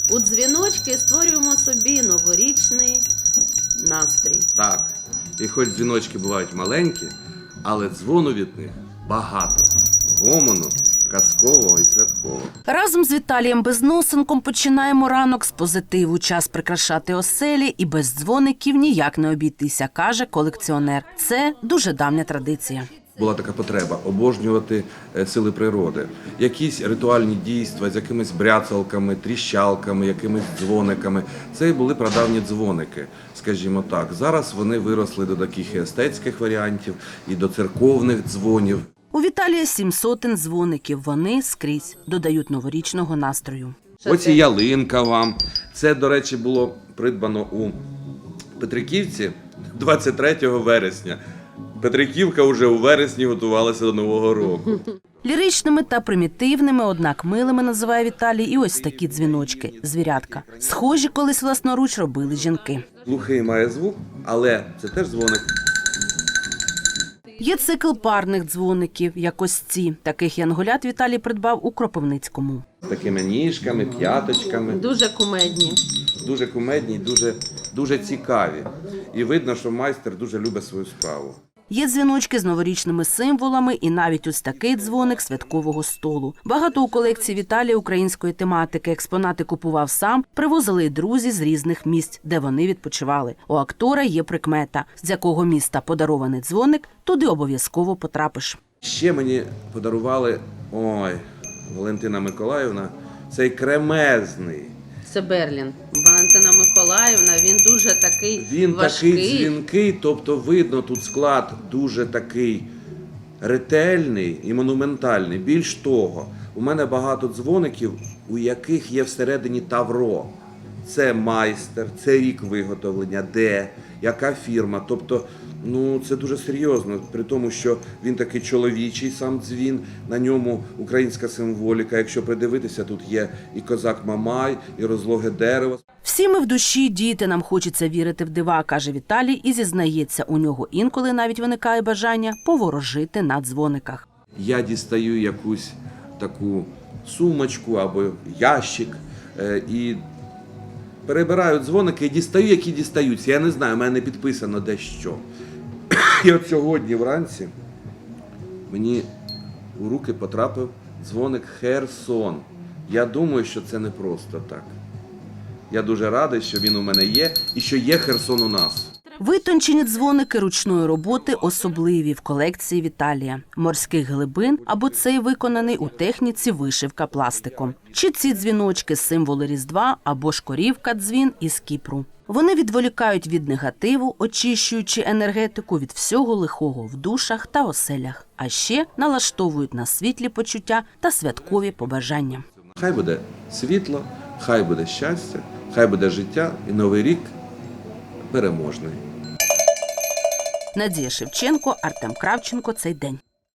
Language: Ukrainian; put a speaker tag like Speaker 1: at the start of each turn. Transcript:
Speaker 1: У дзвіночки створюємо собі новорічний настрій.
Speaker 2: Так, і хоч дзвіночки бувають маленькі, але дзвону від них багато. Гомону, казкового і святкового.
Speaker 3: Разом з Віталієм Безносенком починаємо ранок з позитиву. Час прикрашати оселі і без дзвоників ніяк не обійтися, каже колекціонер. Це дуже давня традиція.
Speaker 2: Була така потреба обожнювати сили природи. Якісь ритуальні дійства з якимись бряцалками, тріщалками, якимись дзвониками. Це і були прадавні дзвоники, скажімо так. Зараз вони виросли до таких і естетських варіантів, і до церковних дзвонів.
Speaker 3: У Віталія 700 дзвоників. Вони скрізь додають новорічного настрою.
Speaker 2: Ось і ялинка вам. Це, до речі, було придбано у Петриківці 23 вересня. Петриківка вже у вересні готувалася до Нового року.
Speaker 3: Ліричними та примітивними, однак милими називає Віталій і ось такі дзвіночки – звірятка. Схожі колись власноруч робили жінки.
Speaker 2: Глухий має звук, але це теж дзвоник.
Speaker 3: Є цикл парних дзвоників, як ось ці. Таких янголят Віталій придбав у Кропивницькому.
Speaker 2: З такими ніжками, п'яточками.
Speaker 1: Дуже кумедні.
Speaker 2: Дуже кумедні, дуже цікаві. І видно, що майстер дуже любить свою справу.
Speaker 3: Є дзвіночки з новорічними символами і навіть ось такий дзвоник святкового столу. Багато у колекції Віталія української тематики. Експонати купував сам, привозили й друзі з різних місць, де вони відпочивали. У актора є прикмета. З якого міста подарований дзвоник, туди обов'язково потрапиш.
Speaker 2: Ще мені подарували, Валентина Миколаївна, цей кремезний.
Speaker 1: Це Берлін. Валентина Миколаївна, він дуже такий
Speaker 2: Він
Speaker 1: важкий.
Speaker 2: такий дзвінкий, тобто видно, тут склад дуже такий ретельний і монументальний. Більш того, у мене багато дзвоників, у яких є всередині тавро. Це майстер, це рік виготовлення, де, яка фірма. Тобто, це дуже серйозно, при тому, що він такий чоловічий сам дзвін, на ньому українська символіка. Якщо придивитися, тут є і козак Мамай, і розлоге дерево.
Speaker 3: Всі ми в душі діти, нам хочеться вірити в дива, каже Віталій і зізнається, у нього інколи навіть виникає бажання поворожити на дзвониках.
Speaker 2: Я дістаю якусь таку сумочку або ящик і перебираю дзвоники і дістаю, які дістаються. Я не знаю, у мене не підписано де що. І от сьогодні вранці мені у руки потрапив дзвоник Херсон. Я думаю, що це не просто так. Я дуже радий, що він у мене є і що є Херсон у нас.
Speaker 3: Витончені дзвоники ручної роботи особливі в колекції Віталія. Морських глибин або цей виконаний у техніці вишивка пластиком. Чи ці дзвіночки – символи Різдва або ж корівка-дзвін із Кіпру. Вони відволікають від негативу, очищуючи енергетику від всього лихого в душах та оселях. А ще налаштовують на світлі почуття та святкові побажання.
Speaker 2: Хай буде світло, хай буде щастя, хай буде життя і Новий рік переможний.
Speaker 3: Надія Шевченко, Артем Кравченко. Цей день.